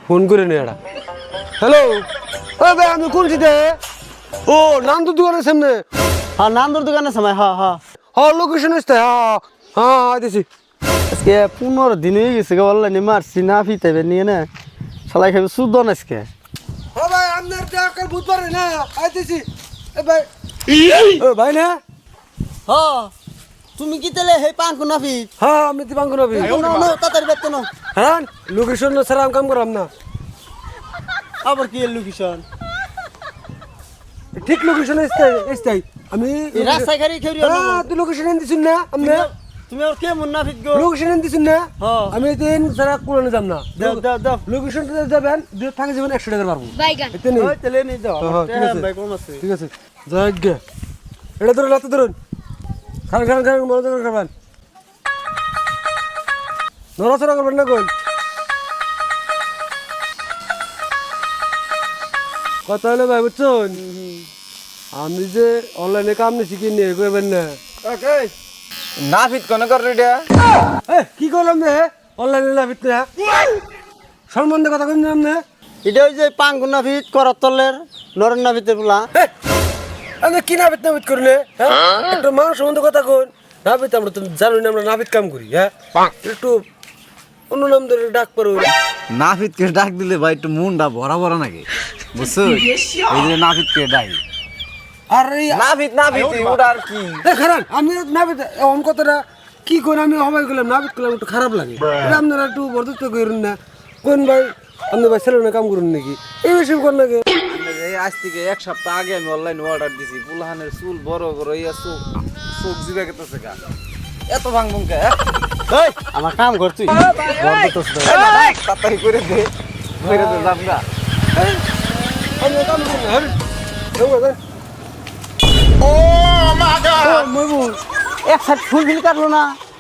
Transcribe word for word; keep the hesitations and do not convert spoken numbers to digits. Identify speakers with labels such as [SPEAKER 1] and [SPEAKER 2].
[SPEAKER 1] Phone করে নে এটা হ্যালো ও ভাই আমি কোন সিটে ও নান্দু দোকানের সামনে
[SPEAKER 2] হ্যাঁ নান্দুর দোকানের সময় হ্যাঁ হ্যাঁ
[SPEAKER 1] হ্যাঁ লোকেশন আসতে হ্যাঁ হ্যাঁ আইতেছি
[SPEAKER 2] আজকে পনেরো দিন হয়ে গেছে অনলাইনে মারছি না ফিতাইবে নিয়ে না সালাই খাবে শুদ্ধ না আজকে
[SPEAKER 1] ও ভাই আপনার কাল বুধবার না আইতেছি এ ভাই ও ভাই না
[SPEAKER 2] হ্যাঁ তুমি কি তাহলে হে পান কোনা ফি
[SPEAKER 1] হ্যাঁ আমি দিবাঙ্গ নবী
[SPEAKER 2] তাড়াতাড়ি বেতন নাও
[SPEAKER 1] হ্যাঁ লোকেশন ছাড়া আমি কাম করাম না
[SPEAKER 2] আবার কি লোকেশন
[SPEAKER 1] ঠিক লোকেশন আসতে আসতে আমি
[SPEAKER 2] এই রাস্তায় গাড়ি খেউরি
[SPEAKER 1] হ্যাঁ তুই লোকেশন এনে দিছুন না আমি
[SPEAKER 2] তুমি আর কে মুনাফিক গো
[SPEAKER 1] লোকেশন এনে দিছুন না
[SPEAKER 2] হ্যাঁ
[SPEAKER 1] আমি দিন ছাড়া কোনে যাব না
[SPEAKER 2] দাও দাও দাও
[SPEAKER 1] লোকেশন যাবেন দুই থাকে যাবেন একশো টাকা পারবো এতে নেই
[SPEAKER 2] ওই তাহলে নিয়ে যাও
[SPEAKER 1] হ্যাঁ, ঠিক আছে।
[SPEAKER 2] ভাই কম আছে
[SPEAKER 1] ঠিক আছে যাই গে এটা ধরুন হাতে ধরুন খান খান খান মনে করে খাবেন নড়াচড়া করবেন না কোন কথা হলো ভাই বুঝছেন আমি যে অনলাইনে কাম নিছি কি নিয়ে করবেন না
[SPEAKER 3] না ফিট কোন কর রেডা
[SPEAKER 1] এ কি করলাম রে অনলাইনে না ভিতরে সম্বন্ধে কথা কই নাম না
[SPEAKER 2] এটা ওই যে পান কোনা ফিট করত তলের নরেন না ভিতর বলা
[SPEAKER 1] আমি কি নাবিত নাবিত করলে হ্যাঁ একটু মানুষ সম্বন্ধে কথা কোন নাবিত আমরা তো জানি না আমরা নাবিত কাম করি হ্যাঁ একটু অন্য নাম ধরে ডাক পারো
[SPEAKER 3] না ফিট কে ডাক দিলে ভাই একটু মুন্ডা ভরা ভরা নাকি বুঝছো এই যে না ফিট কে ডাই
[SPEAKER 1] আর এই
[SPEAKER 3] না ফিট না ফিট ওটা আর কি
[SPEAKER 1] এ খারাপ আমি নাবিত অন কথাটা কি কোন আমি হবাই গেলাম নাবিত করলাম একটু খারাপ লাগে এটা আপনারা একটু বরদস্ত করেন না কোন ভাই আপনি ভাই ছেলে কাম করুন নাকি এই বেশি কর নাকি
[SPEAKER 3] এই আজ থেকে এক সপ্তাহ আগে আমি অনলাইন অর্ডার দিছি পুলহানের চুল বড় বড় ইয়া চোখ চোখ জিবা গেতেছে গা এত ভাঙ ভুঙ্কা
[SPEAKER 2] এই আমার কাম কর তুই
[SPEAKER 3] তাড়াতাড়ি করে দে করে দে যাম গা
[SPEAKER 1] আমি কাম করুন হ্যাঁ
[SPEAKER 2] ও মা গড মইবুল এক সাইড ফুল ফিল কাটলো না